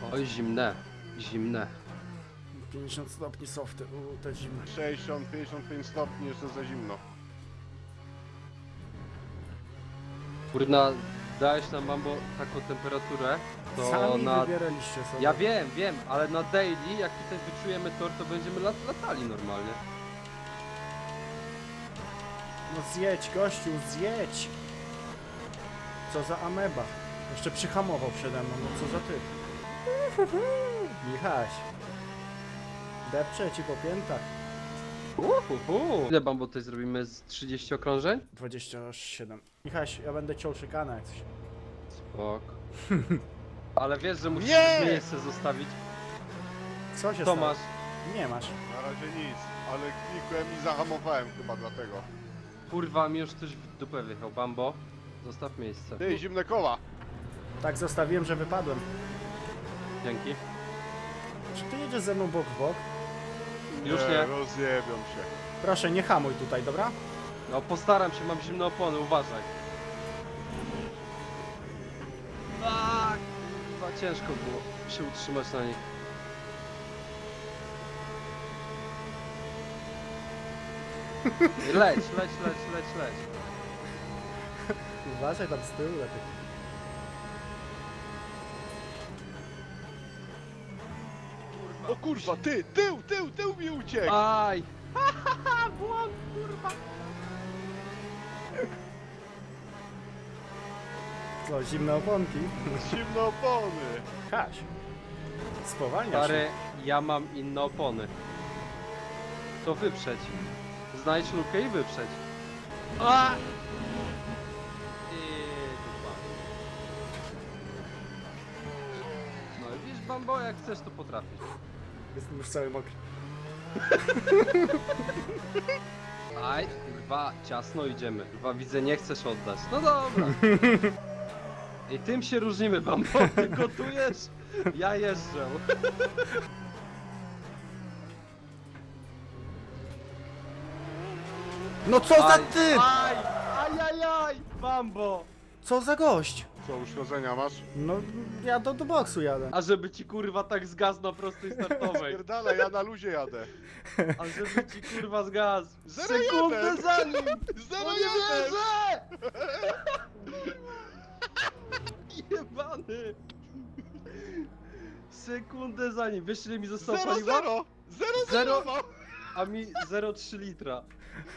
Oj, zimne. Zimne. 50 stopni softy, to zimne. 60, 55 stopni, jeszcze za zimno. Kurna, dałeś nam Mambo taką temperaturę, to Sami na... wybieraliście sobie. Ja wiem, ale na daily, jak tutaj wyczujemy tor, to będziemy latali normalnie. No zjedź, gościu, zjedź! Co za ameba. Jeszcze przyhamował przede mną, no co za ty. Michaś. Depczę ci po piętach. Ile Mambo tutaj zrobimy z 30 okrążeń? 27. Michaś, ja będę ciął szykanę jak coś. Spok. Ale wiesz, że musisz Nie! miejsce zostawić. Co się To stało? masz. Nie masz. Na razie nic, ale klikłem i zahamowałem chyba dlatego. Kurwa, mi już ktoś w dupę wjechał. Bambo, zostaw miejsce. Ty, zimne koła! Tak zostawiłem, że wypadłem. Dzięki. Czy ty jedziesz ze mną bok w bok? Już nie. Rozjebią się. Proszę, nie hamuj tutaj, dobra? No postaram się, mam zimne opony, uważaj. Tak! Chyba ciężko było się utrzymać na nich. Leć. Uważaj tam z tyłu lepiej. O kurwa, ty, tył mi uciekł! Aj! Błąd, kurwa! Co, zimne oponki? Zimne opony! Kaś. Spowalniasz. Stary, ja mam inne opony. To wyprzedź. Znajdź lukę i wyprzedź. A! I dupa. No i wiesz, Bambo, jak chcesz, to potrafisz. Jestem już cały mokry. Aj, kurwa, ciasno idziemy. Kurwa, widzę, nie chcesz oddać. No dobra. I tym się różnimy, Bambo. Ty gotujesz, ja jeżdżę. No co za Aj, typ! Aj, Bambo. Co za gość? Co, uszkodzenia masz? No, ja do boksu jadę. A żeby ci kurwa tak zgasł na prostej startowej. Pierdalaj, ja na luzie jadę. A żeby ci kurwa zgasł. Zero Sekundę jeden. za nim. Zero No nie jeden. wierzę! Jebany. Sekundę za nim. Wiesz ile mi zostało Zero, paliwa? zero! Zero, Zero. zero! A mi 0,3 litra.